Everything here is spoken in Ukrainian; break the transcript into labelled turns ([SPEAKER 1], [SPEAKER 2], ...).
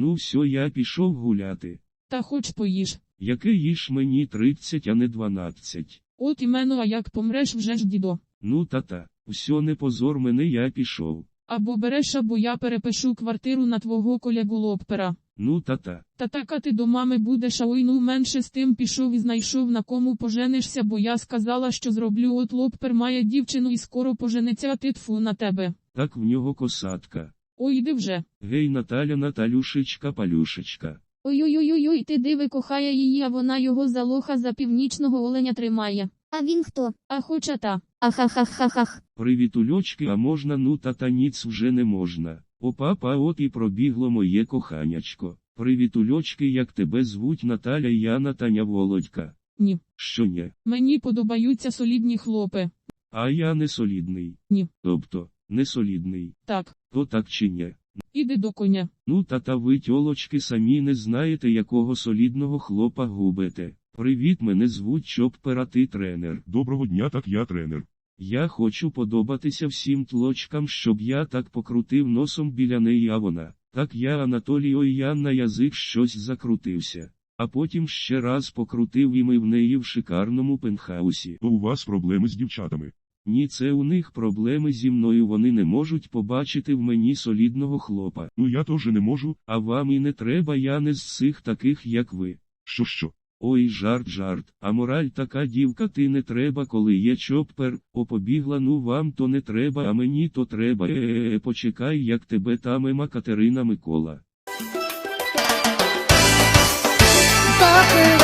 [SPEAKER 1] Ну все, я пішов гуляти.
[SPEAKER 2] Та хоч поїж.
[SPEAKER 1] Яке їж мені 30, а не 12.
[SPEAKER 2] От іменно, а як помреш вже ж, дідо.
[SPEAKER 1] Ну та, все, не позор мене, я пішов.
[SPEAKER 2] Або береш, або я перепишу квартиру на твого колегу Лоппера.
[SPEAKER 1] Ну та.
[SPEAKER 2] Та так, а ти до мами будеш, а ой, ну менше з тим пішов і знайшов, на кому поженишся, бо я сказала, що зроблю, от Лоппер має дівчину і скоро пожениться, а ти тфу на тебе.
[SPEAKER 1] Так в нього косатка.
[SPEAKER 2] Ой, іди вже.
[SPEAKER 1] Гей, Наталя, Наталюшечка, Палюшечка.
[SPEAKER 3] Ой-ой-ой-ой, ти диви, кохає її, а вона його за лоха за північного оленя тримає. А він хто?
[SPEAKER 2] А хоча та.
[SPEAKER 3] Ахахахахах.
[SPEAKER 1] Привітульочки, а можна, ну та ніц вже не можна. О папа, от і пробігло моє коханячко. Привітульочки, як тебе звуть, Наталя, Яна, Таня, Володька?
[SPEAKER 2] Ні.
[SPEAKER 1] Що ні?
[SPEAKER 2] Мені подобаються солідні хлопи.
[SPEAKER 1] А я не солідний.
[SPEAKER 2] Ні.
[SPEAKER 1] Тобто, не солідний.
[SPEAKER 2] Так.
[SPEAKER 1] То так чи ні?
[SPEAKER 2] Іди до коня.
[SPEAKER 1] Ну та ви, тьолочки, самі не знаєте, якого солідного хлопа губите. Привіт, мене звуть Чоппер, а ти тренер.
[SPEAKER 4] Доброго дня, так я тренер.
[SPEAKER 1] Я хочу подобатися всім тлочкам, щоб я так покрутив носом біля неї, а вона. Так я, Анатолій, ой, я на язик щось закрутився. А потім ще раз покрутив і ми в неї в шикарному пентхаусі.
[SPEAKER 4] То у вас проблеми з дівчатами.
[SPEAKER 1] Ні, це у них проблеми зі мною, вони не можуть побачити в мені солідного хлопа.
[SPEAKER 4] Ну я теж не можу.
[SPEAKER 1] А вам і не треба, я не з цих таких, як ви.
[SPEAKER 4] Що?
[SPEAKER 1] Ой, жарт, а мораль така, дівка, ти не треба, коли є Чоппер, побігла, ну вам то не треба, а мені то треба. Почекай, як тебе та мема Катерина Микола.
[SPEAKER 3] Папа.